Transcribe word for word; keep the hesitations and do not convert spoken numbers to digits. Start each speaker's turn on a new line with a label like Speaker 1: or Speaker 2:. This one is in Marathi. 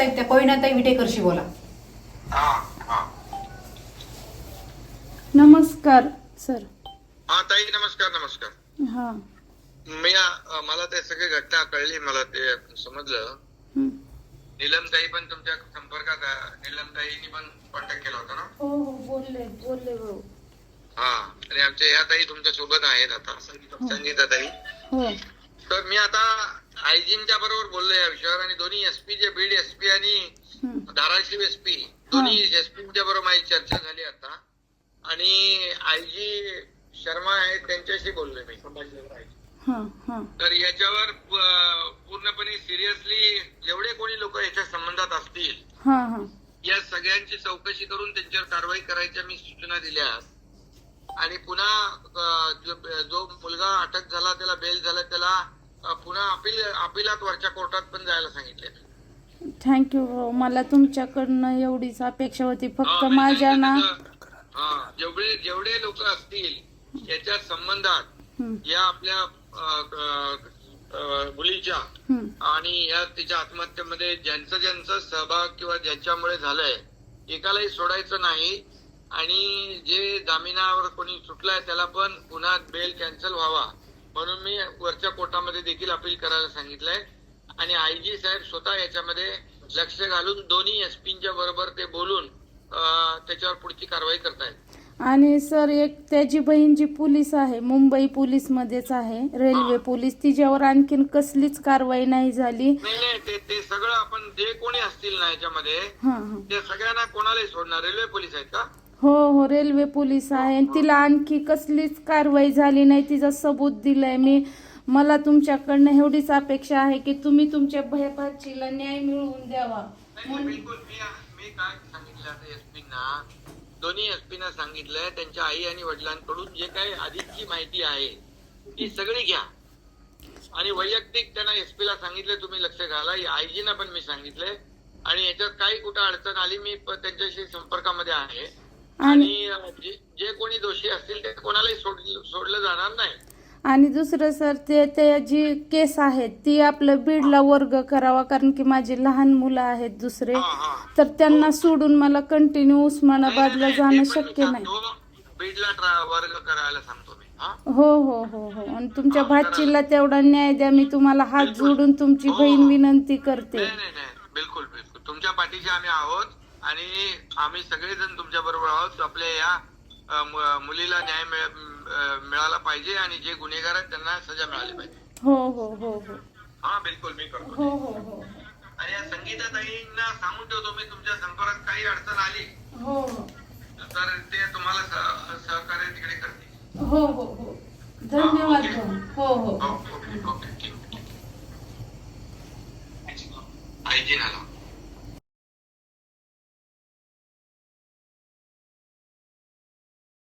Speaker 1: आहेत त्या कोयनाताई विटेकरशी बोला.
Speaker 2: नमस्कार सर.
Speaker 3: हा ताई, नमस्कार नमस्कार.
Speaker 2: हा
Speaker 3: मी अ, मला ते सगळी घटना कळली, मला ते समजलं. नीलमताई पण तुमच्या संपर्कात आहे. नीलमताईंनी पण कॉन्टॅक्ट केला होता ना?
Speaker 2: हो हो बोलले बोलले भाऊ.
Speaker 3: हा, आणि आमच्या या ताई तुमच्या सोबत आहेत आता, संगीता ताई.
Speaker 2: हो.
Speaker 3: तर मी आता आयजींच्या बरोबर बोललो या विषयावर, आणि दोन्ही एसपी जे बीड एसपी आणि धाराशिव एसपी दोन्ही एसपीच्या बरोबर माझी चर्चा झाली आता, आणि आयजी शर्मा आहेत त्यांच्याशी बोललोय मी. तर याच्यावर पूर्णपणे सिरियसली जेवढे कोणी लोक याच्या संबंधात असतील या सगळ्यांची चौकशी करून त्यांच्यावर कारवाई करायच्या मी सूचना दिल्या. आणि पुन्हा जो मुलगा अटक झाला त्याला बेल झाला त्याला पुन्हा अपील अपिलात वरच्या कोर्टात पण जायला सांगितले.
Speaker 2: थँक्यू भाऊ. मला तुमच्याकडनं एवढीच अपेक्षा होती. फक्त माझ्या ना
Speaker 3: जेवढे जेवढे लोक असतील याच्या संबंधात या आपल्या मुलीच्या आणि या तिच्या आत्महत्येमध्ये ज्यांचं ज्यांचं सहभाग किंवा ज्यांच्यामुळे झालंय एकालाही सोडायचं नाही. आणि जे जामिनावर कोणी सुटलाय त्याला पण पुन्हा बेल कॅन्सल व्हावा म्हणून मी वरच्या कोर्टामध्ये देखील अपील करायला सांगितलंय. आणि आयजी साहेब स्वतः याच्यामध्ये लक्ष घालून दोन्ही एसपींच्या बरोबर ते बोलून त्याच्यावर पुढची कारवाई करतायत.
Speaker 2: आणि सर एक त्याची बहीण जी पोलीस आहे, मुंबई पोलीस मध्येच आहे, रेल्वे पोलीस, तिच्यावर आणखीन कसलीच कारवाई नाही झाली.
Speaker 3: नाही नाही ते ते सगळं आपण जे कोणी असतील ना याच्यामध्ये ते सगळ्यांना कोणालाही सोडणार. रेल्वे पोलीस आहेत का?
Speaker 2: हो हो रेल्वे पोलीस आहे. तिला आणखी कसलीच कारवाई झाली नाही. तिचा सबूत दिलाय मी. मला तुमच्याकडनं एवढीच अपेक्षा आहे की तुम्ही तुमच्या भाचीला न्याय मिळवून द्यावा.
Speaker 3: बिलकुल. मी मी काय सांगितलं आता एसपींना, दोन्ही एसपींना सांगितलंय त्यांच्या आई आणि वडिलांकडून जे काही अधिकची माहिती आहे ती सगळी घ्या. आणि वैयक्तिक त्यांना एसपीला सांगितलं तुम्ही लक्ष घाला. आयजीना पण मी सांगितलंय. आणि याच्यात काही कुठं अडचण आली मी त्यांच्याशी संपर्कामध्ये आहे. आणि जे कोणी दोषी असतील ते कोणालाही सोडलं जाणार नाही.
Speaker 2: आणि दुसरं सर ते ते जी केस आहे ती आपलं बीडला वर्ग करावा, कारण की माझी लहान मुलं आहेत दुसरे, तर त्यांना सोडून मला कंटिन्यू उस्मानाबादला जाणं शक्य नाही.
Speaker 3: बीडला वर्ग करायला सांगतो मी.
Speaker 2: हो हो हो हो. आणि तुमच्या भाचीला तेवढा न्याय द्या. मी तुम्हाला हात जोडून तुमची बहीण विनंती करते.
Speaker 3: बिलकुल बिलकुल तुमच्या पाठीशी आम्ही आहोत आणि आम्ही सगळेजण तुमच्या बरोबर आहोत. आपल्या या मुलीला न्याय मिळाला पाहिजे आणि जे गुन्हेगार आहेत त्यांना सजा मिळाली पाहिजे.
Speaker 2: हो हो हो हो.
Speaker 3: हा बिलकुल मी करतो.
Speaker 2: हो हो हो.
Speaker 3: आणि या संगीता ताईंना सांगून ठेवतो मी तुमच्या संपर्कात काही अडचण आली
Speaker 2: हो हो
Speaker 3: तर ते तुम्हाला सहकार्य तिकडे करतील.
Speaker 2: हो हो हो. धन्यवाद. हो हो.
Speaker 3: ओके ओके ठीक. आयजी नाला